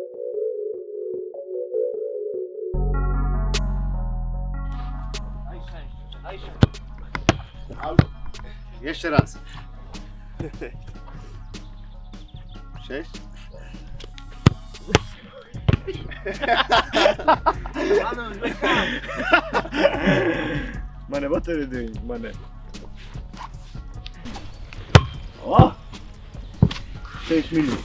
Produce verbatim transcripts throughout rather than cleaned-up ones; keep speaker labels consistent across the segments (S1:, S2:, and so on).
S1: Jeszcze raz. Sześć.
S2: Mane, what are you doing, Mane? O! sześć minut.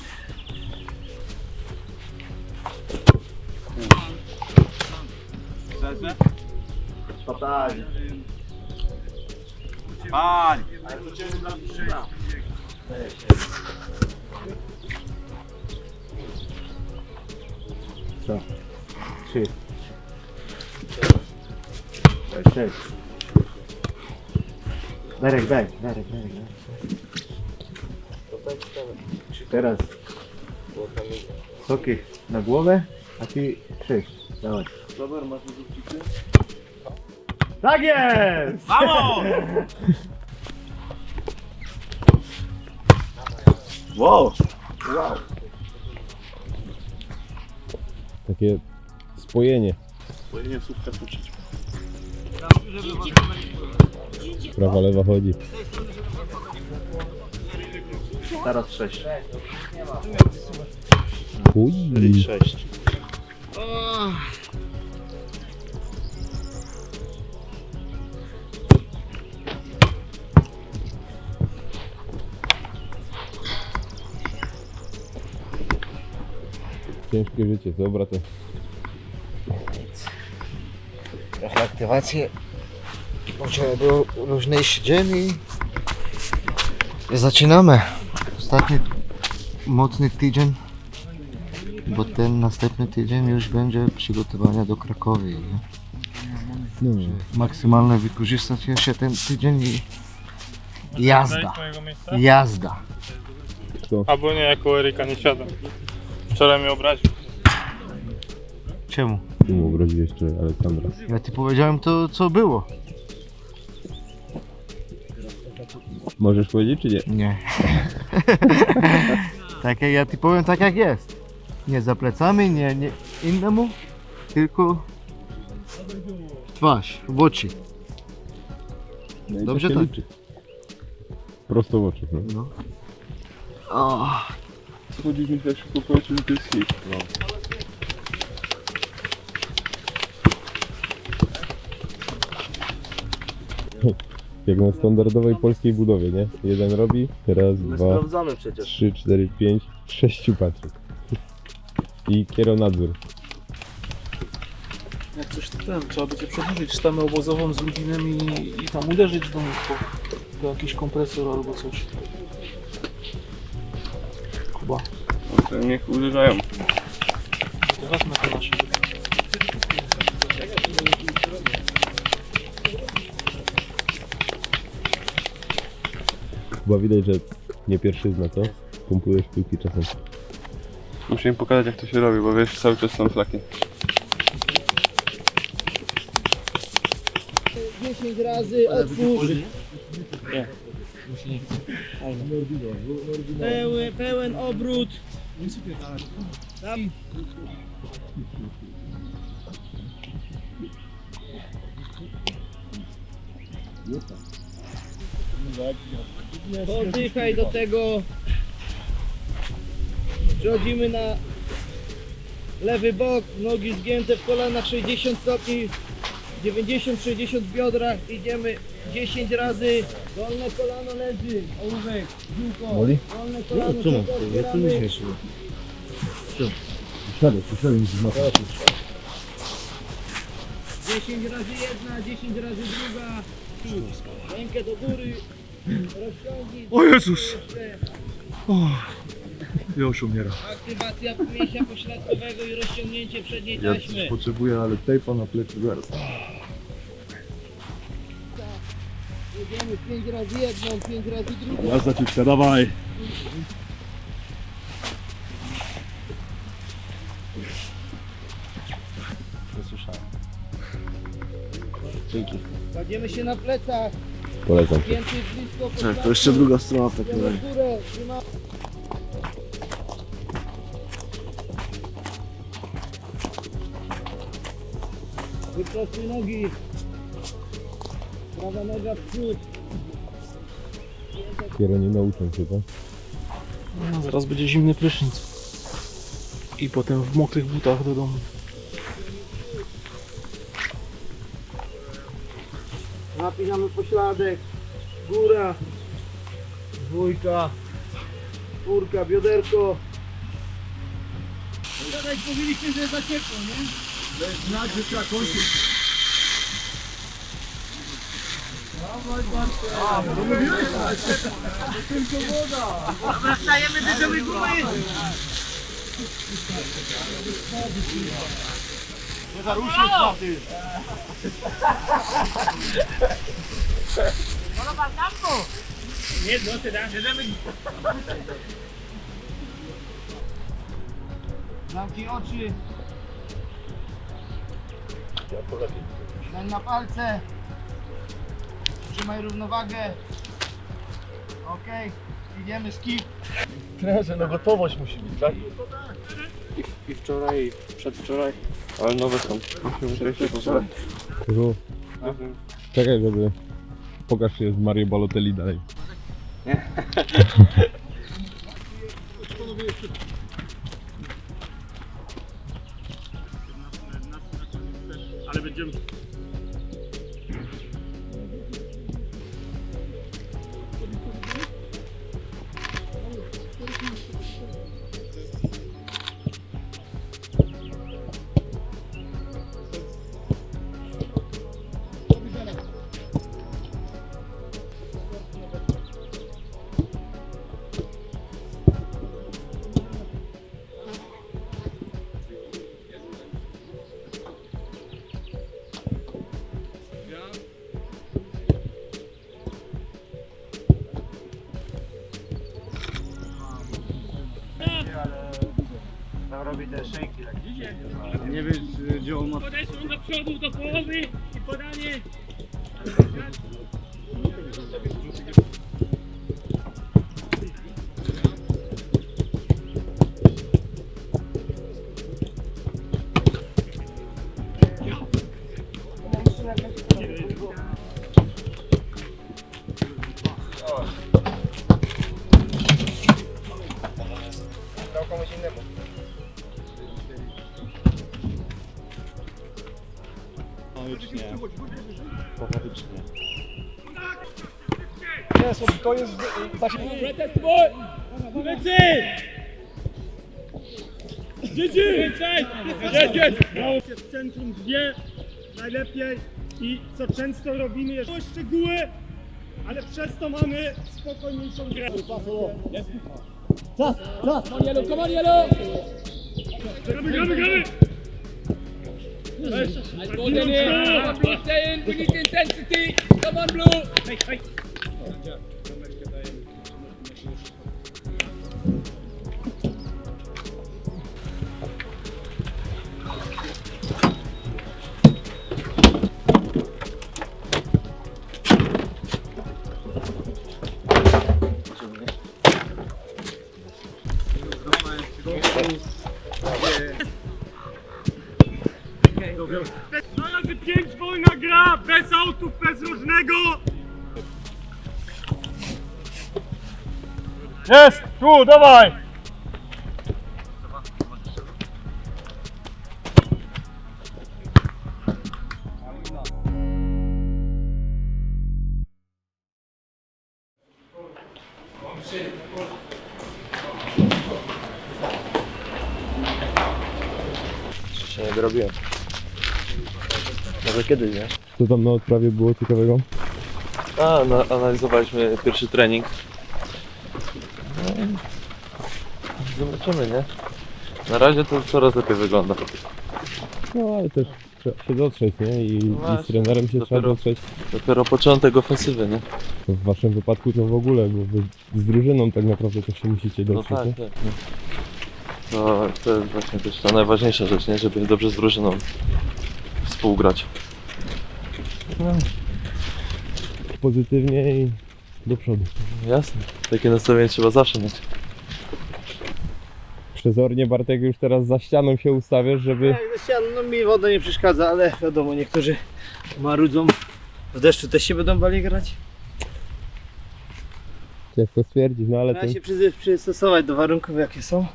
S2: Totalnie.
S3: Pali!
S2: Co? Trzy. Sześć. Darek, daj. Darek, Darek, daj. Teraz soki na głowę, a ty sześć. Dawaj.
S1: Dobra, masz żółcicy?
S2: Tak jest!
S3: Vamos!
S2: Wow!
S1: Wow.
S4: Takie spojenie.
S1: Spojenie słupka tuczyć.
S4: Prawa, lewa chodzi.
S2: Teraz sześć.
S4: Uj.
S2: sześć.
S4: Ciężkie życie, co bracie?
S5: Trochę aktywację. Wczoraj był luźniejszy dzień i zaczynamy. Ostatni mocny tydzień, bo ten następny tydzień już będzie przygotowania do Krakowi. Nie?
S4: No.
S5: Maksymalnie wykorzystać się ten tydzień i jazda. Jazda.
S6: Albo nie, jako Eryka nie siadam. Wczoraj mnie obraził.
S5: Czemu?
S4: Tu mu obraził jeszcze Aleksandra.
S5: Ja ci powiedziałem to, co było.
S4: Możesz powiedzieć czy nie?
S5: Nie. Tak jak ja ci powiem, tak jak jest. Nie za plecami, nie, nie innemu, tylko w twarz, w oczy.
S4: No i
S5: Dobrze
S4: to się
S5: tak.
S4: liczy. Prosto w oczy. No.
S5: No. O,
S1: Chodzić mi tak szybko powiedzieć, że to jest hit. No.
S4: Jak na standardowej polskiej budowie, nie? Jeden robi, raz, dwa,
S1: Sprawdzamy przecież.
S4: trzy, cztery, pięć, sześciu patrzy. I kieronadzór.
S7: Jak coś ten, trzeba będzie przedłużyć sztamę obozową z Lublinem i, i tam uderzyć do nich po, po jakiś kompresor albo coś. Kuba,
S1: To niech uderzają.
S7: to wezmę to nasze.
S4: Chyba widać, że nie pierwszyzna, co? Pompujesz piłki czasem.
S1: Muszę im pokazać, jak to się robi, bo wiesz, cały czas są flaki.
S8: dziesięć razy otwórz. Pełen, pełen obrót. Tam. Oddychaj do tego. Przechodzimy na lewy bok, nogi zgięte w kolanach sześćdziesiąt stopni, dziewięćdziesiąt sześćdziesiąt w biodrach, idziemy dziesięć razy, dolne kolano leży, ołówek, ziółko, dolne kolano, no, co mam, ja tu nie się co? Siadę, siadę, dziesięć razy jedna, dziesięć razy druga, rękę do góry, rozciągnij.
S2: O Jezus! O, już umiera.
S8: Aktywacja mięśnia pośladkowego i rozciągnięcie przedniej taśmy.
S2: Potrzebuję, ale tejpa na plecy zaraz.
S8: Jedziemy pięć razy jedną, pięć razy drugą.
S2: Jazda ciuczka, dawaj!
S5: dzięki.
S8: Kładziemy się na plecach,
S4: Polecam.
S8: więcej blisko
S5: Tak,
S8: pośladku.
S5: to jeszcze druga strona w takim
S8: Idziemy
S5: razie.
S8: w górę, trzyma- Wyprostuj nogi. Prawa noga w przód.
S4: Dopiero nie nauczą się, tak?
S7: No, zaraz będzie zimny prysznic. I potem w mokrych butach do domu.
S8: Napinamy pośladek. Góra. Dwójka. Czwórka, bioderko. Gadać mówiliście, że za ciepło, nie? To jest znak, że trzeba kończyć. A, to mówiłeś? To tylko woda. Dobra, wstajemy, bierzemy gumę. Nie zaruszy szmaty. Nie, no ty dasz. Zamknij oczy. Daj na palce. Trzymaj równowagę. Okej, idziemy skip.
S2: Trenerze, no gotowość musi być, tak?
S7: I wczoraj, i przedwczoraj.
S1: Ale nowe są. Musimy się pobrać.
S4: Tylko czekaj, żeby... Pokaż się z Mario Balotelli dalej.
S6: Ale będziemy...
S2: Nie wiesz, gdzie on ma...
S6: Podeszłem do przodu, do połowy i podanie.
S3: W centrum wie najlepiej i co często robimy jest szczegóły, ale przez to mamy spokojniejszą grę. Czas, czas! Come on yellow, come on yellow! Gramy, gramy, gramy! Go Dennis! Blue stay in, we need intensity! Come on Blue! Hey, hey. Na razie pięć wolna gra, bez autów, bez różnego.
S6: Jest! Tu, dawaj!
S5: Jeszcze nie dorobiłem. Może kiedyś, nie?
S4: Co tam na odprawie było ciekawego?
S1: A, na, analizowaliśmy pierwszy trening. No i zobaczymy, nie? Na razie to coraz lepiej wygląda.
S4: No ale też trzeba się dotrzeć, nie? I,
S1: No
S4: i z
S1: właśnie,
S4: trenerem się trzeba
S1: dopiero-
S4: dotrzeć.
S1: Dopiero początek ofensywy, nie?
S4: W waszym wypadku to w ogóle, bo wy z drużyną tak naprawdę to się musicie
S1: No
S4: dotrzeć,
S1: tak,
S4: nie?
S1: tak. No. To, to jest właśnie też ta najważniejsza rzecz, nie? Żeby dobrze z drużyną współgrać.
S4: Pozytywnie i do przodu.
S1: Jasne. Takie nastawienie trzeba zawsze mieć.
S4: Przezornie, Bartek, już teraz za ścianą się ustawiasz, żeby...
S8: Jak ze ścian, no mi woda nie przeszkadza, ale wiadomo, niektórzy marudzą. W deszczu też się będą bali grać.
S4: Ciężko stwierdzić, no ale to...
S8: Trzeba się przy, przystosować do warunków, jakie są.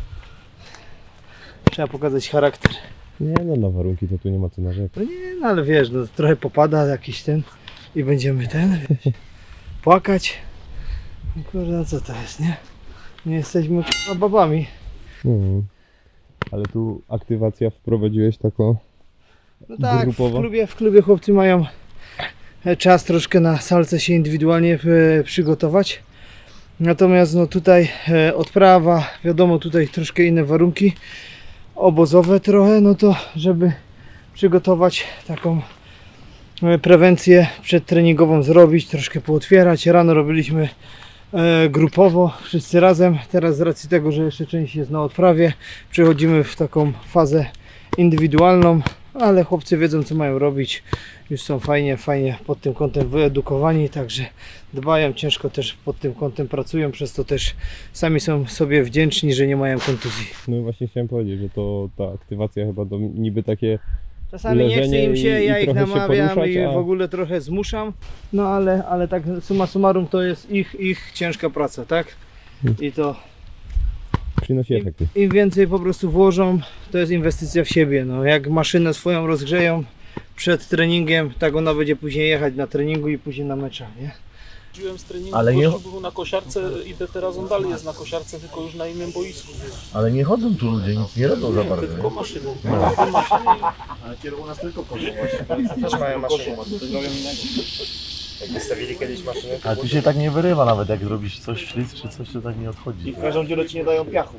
S8: Trzeba pokazać charakter.
S4: Nie no, na warunki to tu nie ma co narzekać.
S8: No nie, no ale wiesz, no trochę popada jakiś ten i będziemy ten, wiesz, płakać. No kurde, no co to jest, nie? Nie jesteśmy k***a babami.
S4: Mhm. Ale tu aktywacja wprowadziłeś taką...
S8: No tak, w
S4: Grupowo?
S8: klubie, w klubie chłopcy mają czas troszkę na salce się indywidualnie e, przygotować. Natomiast no tutaj e, odprawa, wiadomo, tutaj troszkę inne warunki obozowe trochę, no to żeby przygotować taką e, prewencję przedtreningową zrobić, troszkę pootwierać. Rano robiliśmy e, grupowo, wszyscy razem. Teraz z racji tego, że jeszcze część jest na odprawie, przechodzimy w taką fazę indywidualną, ale chłopcy wiedzą, co mają robić. Już są fajnie, fajnie pod tym kątem wyedukowani, także dbają, ciężko też pod tym kątem pracują, przez to też sami są sobie wdzięczni, że nie mają kontuzji.
S4: No i właśnie chciałem powiedzieć, że to ta aktywacja chyba to niby takie...
S8: Czasami nie chce
S4: leżenie
S8: im się,
S4: i-
S8: ja
S4: i
S8: ich
S4: trochę się
S8: namawiam
S4: poruszać,
S8: i
S4: a-
S8: w ogóle trochę zmuszam, no ale, ale tak summa summarum to jest ich, ich ciężka praca, tak? I to
S4: Przynosi efekty.
S8: im więcej po prostu włożą, to jest inwestycja w siebie. No, jak maszynę swoją rozgrzeją przed treningiem, tak ona będzie później jechać na treningu i później na meczach, nie?
S7: Chodziłem z treningu,
S2: Ale
S7: ale
S2: nie-
S7: nie... był na kosiarce, idę teraz, on dalej jest na kosiarce, tylko już na innym boisku.
S2: Ale nie chodzą tu ludzie, nic nie robią za bardzo.
S7: Tylko maszyny.
S2: Ale kiedy u nas tylko chodzą.
S8: Też mają maszynę.
S5: Jak wystawili kiedyś maszynę,
S2: Ale tu się tak nie wyrywa nawet, jak zrobisz coś ślizg czy coś, to tak nie odchodzi.
S8: I w każdą dziurę ci nie dają piachu.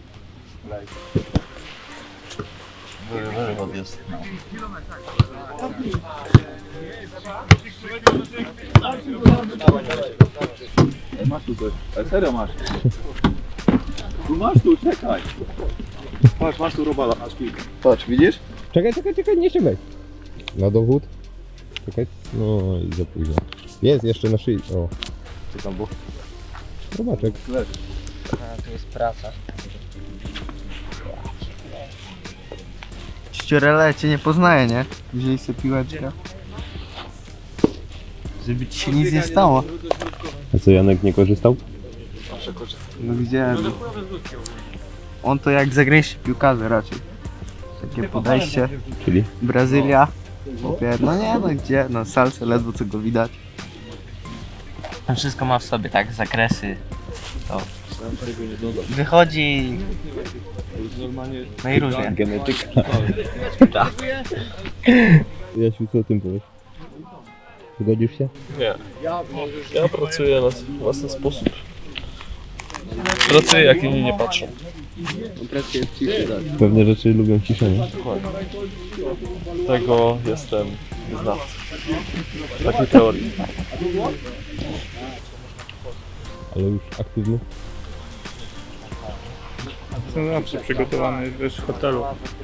S2: Wyrywot jest. Masz tu coś, ale serio masz. Tu masz tu, czekaj. Patrz, masz tu robala, aż kilka. Patrz, widzisz?
S4: Czekaj, czekaj, czekaj, nie ściągaj. Na dowód. Czekaj. No i za późno. Jest jeszcze na szyi. O,
S2: Co tam było?
S4: robaczek.
S8: A, tu jest praca.
S5: ściurele cię nie poznaje, nie? Wzięli sobie piłeczkę. Żeby ci się nic nie stało.
S4: A co, Janek nie korzystał?
S5: No gdzie? On to jak zagraniczny piłkarze raczej. Takie podejście.
S4: Czyli?
S5: Brazylia. Chłopie, no nie no gdzie? No salce ledwo co go widać.
S9: On wszystko ma w sobie, tak? Zakresy. To wychodzi. No i różnie.
S4: Genetyka. Jasiu, co o tym powiesz? Zgodzisz się?
S1: Nie. Ja pracuję na własny sposób. Pracuję jak inni nie patrzą.
S4: Pewne rzeczy lubią ciszę, nie?
S1: Tego jestem znawcą. Takiej teorii.
S4: Ale już aktywny?
S6: Jestem zawsze przygotowany też w hotelu.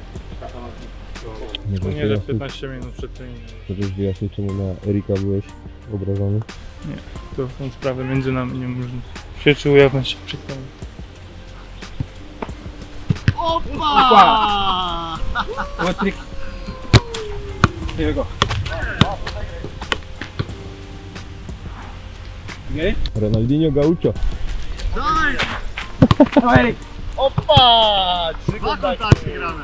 S4: Nie
S6: To
S4: wiem,
S6: nie, że
S4: wyjaśnić-
S6: piętnaście minut przed treningiem.
S4: Możesz wyjaśnić, czemu na Erika byłeś obrażony?
S6: To są sprawy między nami, nie można się czy ujawniać się przed tym.
S4: Ronaldinho Gaucho.
S3: Opa! Trzy kontakty grane.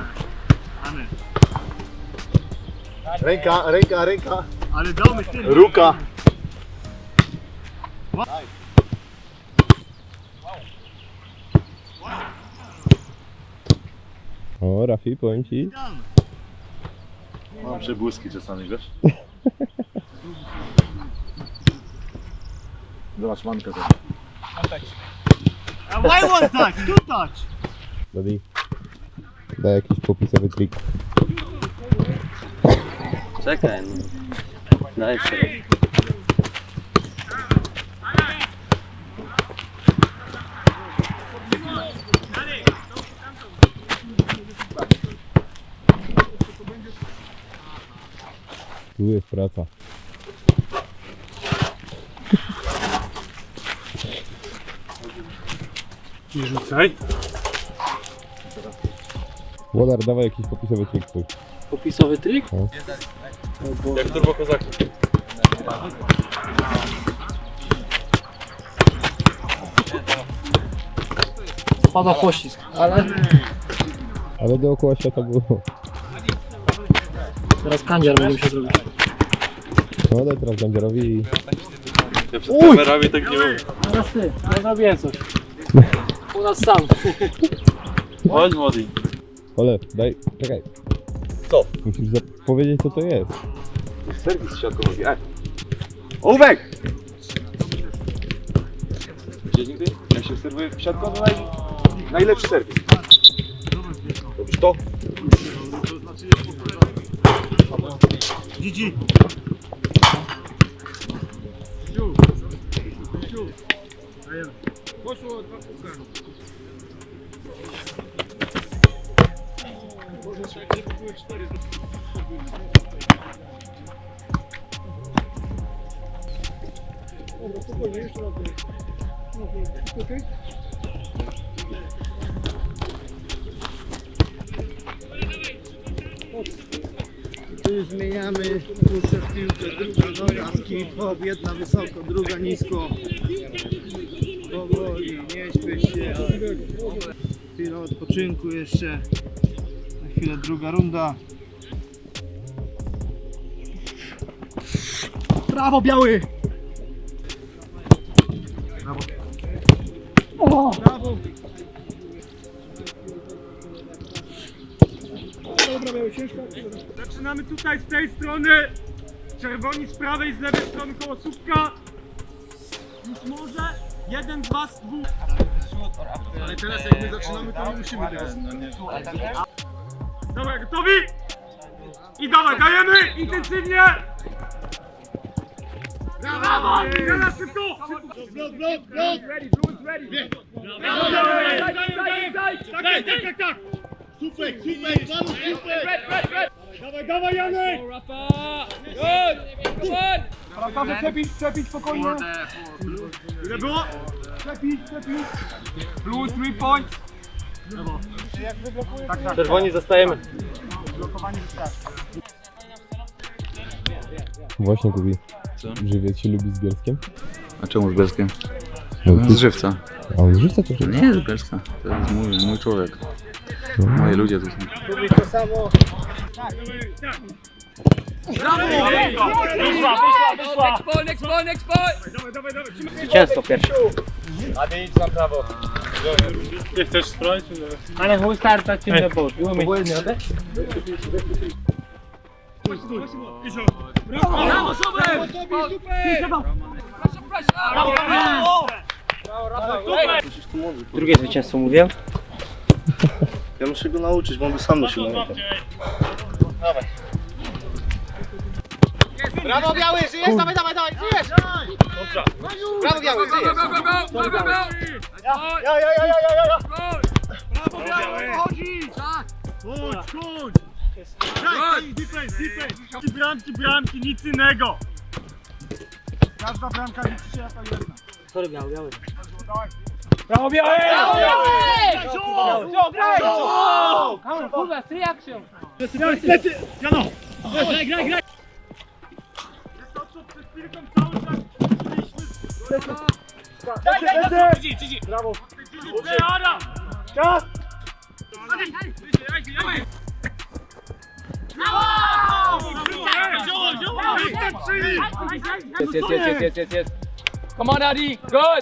S2: Ręka, ręka, ręka.
S3: Ale damy tym.
S2: Ruka.
S4: O, Rafi, powiem ci.
S2: Mam przebłyski czasami, wiesz? Zobacz, mankę za.
S3: Why one touch? Two touch.
S4: Daddy, daj jakiś popisowy trik.
S9: Czekaj, no. Daj sobie.
S4: Tu jest praca.
S6: Nie rzucaj.
S4: Włodar, dawaj jakiś popisowy trik twój.
S7: Popisowy trik?
S4: No.
S1: Jak turbo kozaki.
S7: Pada pościsk, ale
S4: Ale dookoła świata było.
S7: teraz kandziar będzie musiał zrobić.
S4: No daj teraz Gandziarowi i...
S1: Ja przed kamerami tak nie mówię.
S7: Teraz ty, ja zrobiłem coś. U nas sam.
S1: Chodź młody.
S4: Ole, daj, czekaj.
S2: Co?
S4: Musisz powiedzieć co to jest.
S2: Serwis siatkowy, ej! Ołówek! Gdzie nigdy? Jak się serwuje w siatko, to naj... najlepszy serwis. Robisz to?
S3: Gigi.
S8: Tu już zmieniamy, puszczę w piłkę, druga noga, hip-hop, jedna wysoko, druga nisko. Powoli, nie śpiesz się. Chwila odpoczynku jeszcze. Na chwilę druga runda. Brawo, biały! Brawo. O! Brawo! Dobra, biały, ciężko.
S3: Zaczynamy tutaj z tej strony. Czerwoni z prawej, z lewej strony koło słupka. Już może jeden z was, dwóch.
S2: Ale teraz jak my zaczynamy, to nie musimy teraz.
S3: Dobra, gotowi? I dawaj, dajemy intensywnie! Dawaj! Teraz szybko! Blok, blok, blok! Ready, blue is ready! Daj, daj, daj, daj! Tak, tak, tak, tak! Super, super, panu, super! Dawaj, dawaj, Janek! Rafa, przepić, przepić spokojnie! Ile było? Przepić, przepić! Blue, three points! Tak, tak.
S1: Czerwoni zostajemy.
S3: Blokowanie wystarczy.
S4: Właśnie Kubi.
S2: Co?
S4: Żywiec się lubi z Bielskiem?
S2: A czemu z Bielskiem?
S4: No,
S2: Z Żywca.
S4: a on z Żywca to
S2: Nie, z Bielska. To jest mój, mój człowiek. Moi ludzie tu są.
S8: Lubię to samo.
S3: Wyszła, wyszła, wyszła! Next ball, next ball! Dawaj, dawaj, dawaj!
S9: Zwycięstwo pierwsze.
S6: Nie chcesz spróbować?
S9: Ale who started in the boat? You mean?
S3: Brawo, super!
S8: Drugie zwycięstwo mówię. Ja muszę go nauczyć, bo on by sam nosił naukę.
S3: Brawo, biały, żyjesz? Dawaj, dawaj, dawaj, żyjesz! Brawo, biały, żyjesz! Go, go, go, go, go, go! Ja, ja, ja, ja, ja, ja, ja! Brawo, biały, chodzi! Chodź, chodź! Daj, defense, defense! Bramki, bramki, nic innego! Każda bramka liczy się jako jedna.
S8: Sorry, biały, biały.
S3: Brawo, biały! Brawo, biały! Brawo, brawo!
S9: Come on, full back, three action.
S3: Lecy! Jano! Graj, graj, graj! Jest to, co przed chwilką cały czas szliśmy. Daj, daj, daj! Gigi, Gigi! Brawo! Gigi, Adam! Czas!
S9: Yes, yes, yes, yes, yes, yes. Come on, Adi, good.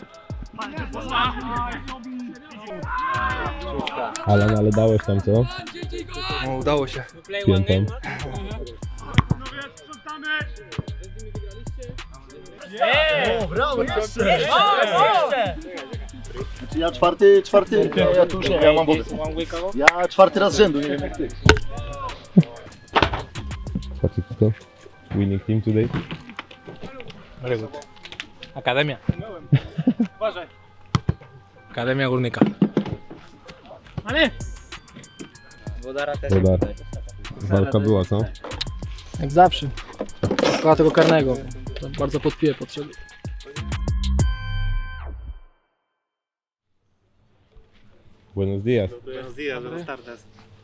S4: Alan, ale dałeś tam co?
S9: No, udało się.
S4: Piętą.
S8: O, brawo, jeszcze! Ja czwarty, czwarty, ja, ja tu już nie, ja mam wodę. Ja czwarty raz z rzędu, nie wiem jak ty.
S4: Patrzcie kto? Winning team today.
S9: Very good. Akademia.
S3: Uważaj.
S9: Akademia Górnika.
S3: Ale!
S9: Wodara też.
S4: Wodar. Walka była co?
S7: Jak zawsze. Szkoda tego karnego. To bardzo podpije potrzeby.
S4: Buenos dias.
S3: Buenos días, buenas tardes.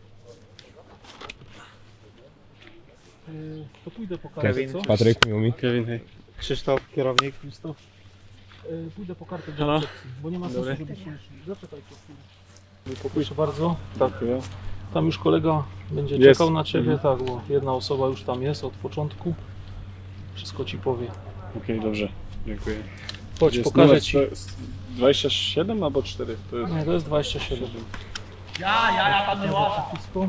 S7: Yy, to pójdę po kartę,
S3: Kevin.
S7: co?
S4: Patryk, miło mi.
S6: Kevin, hej.
S3: Krzysztof, kierownik.
S7: Krzysztof. Yy, pójdę po kartę do
S6: Halo?
S7: recepcji, bo nie ma sensu,
S6: Dobry.
S7: żebyście szli. Zaczekaj po chwilę. Proszę bardzo.
S6: Tak, ja.
S7: Tam już kolega będzie
S6: Jest.
S7: czekał na Ciebie, tak, bo jedna osoba już tam jest od początku. Wszystko Ci powie.
S6: Okej, dobrze. Dziękuję.
S7: Chodź,
S6: Jest
S7: pokażę
S6: numer
S7: Ci.
S6: sto- dwadzieścia siedem albo cztery? To jest...
S7: Nie, to jest dwadzieścia siedem.
S3: Ja, ja, ja tam nie łażę.
S7: Blisko.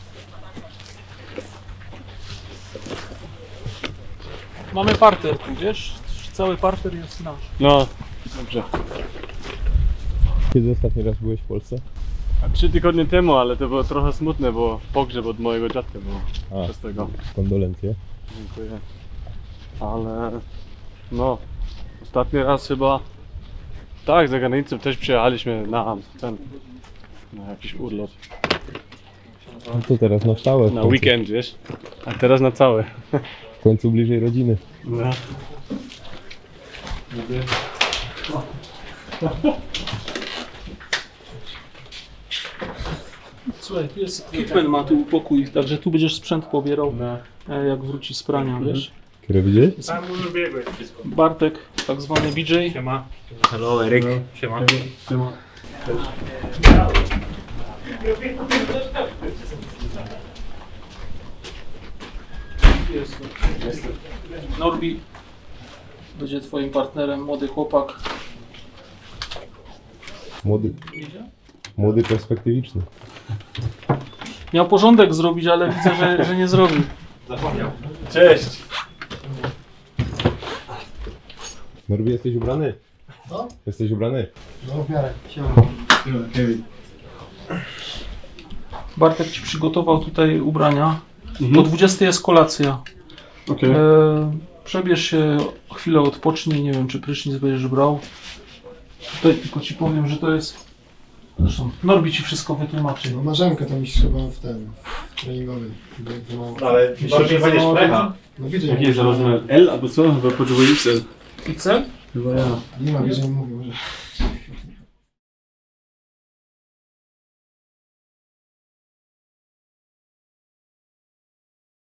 S7: Mamy parter tu, wiesz? Cały parter jest nasz.
S6: No, dobrze.
S4: Kiedy ostatni raz byłeś w Polsce?
S6: A trzy tygodnie temu, ale to było trochę smutne, bo pogrzeb od mojego dziadka było.
S4: A,
S6: Przez tego.
S4: kondolencje.
S6: Dziękuję. Ale no, ostatni raz chyba tak, za granicą też przyjechaliśmy na ten, na jakiś urlop.
S4: No to teraz na stałe. w
S6: Na
S4: końcu.
S6: weekend, wiesz? A teraz na całe.
S4: W końcu bliżej rodziny.
S6: No.
S7: Słuchaj, tu jest Kitman ma tu pokój, także tu będziesz sprzęt pobierał, e, jak wróci z prania, wiesz?
S4: Które widzisz?
S7: Bartek, tak zwany B J.
S6: Siema.
S9: Hello, Eryk.
S6: Siema.
S7: Norbi będzie twoim partnerem, młody chłopak.
S4: Młody, młody perspektywiczny.
S7: Miał porządek zrobić, ale widzę, że, że nie zrobił.
S6: Cześć.
S4: Norbi, jesteś ubrany?
S8: Co?
S4: Jesteś ubrany?
S8: No w miarę. Siema.
S7: Bartek ci przygotował tutaj ubrania.
S6: Mhm.
S7: O dwudziestej jest kolacja.
S6: Okej.
S7: E, przebierz się, chwilę odpocznij, nie wiem czy prysznic będziesz brał. Tutaj tylko ci powiem, że to jest... Zresztą Norbi ci wszystko wytłumaczy.
S8: No Marzenka tam iść chyba w ten, w treningowy. bo za mało.
S3: Ale
S7: Myślę, że
S3: będziesz
S7: za mało
S3: plecha.
S8: No widzę,
S6: Jaki jest rozmiar? L albo co? Chyba potrzebuję X L.
S7: X L?
S6: Chyba ja.
S8: Nie ma, widzę, mówił, że...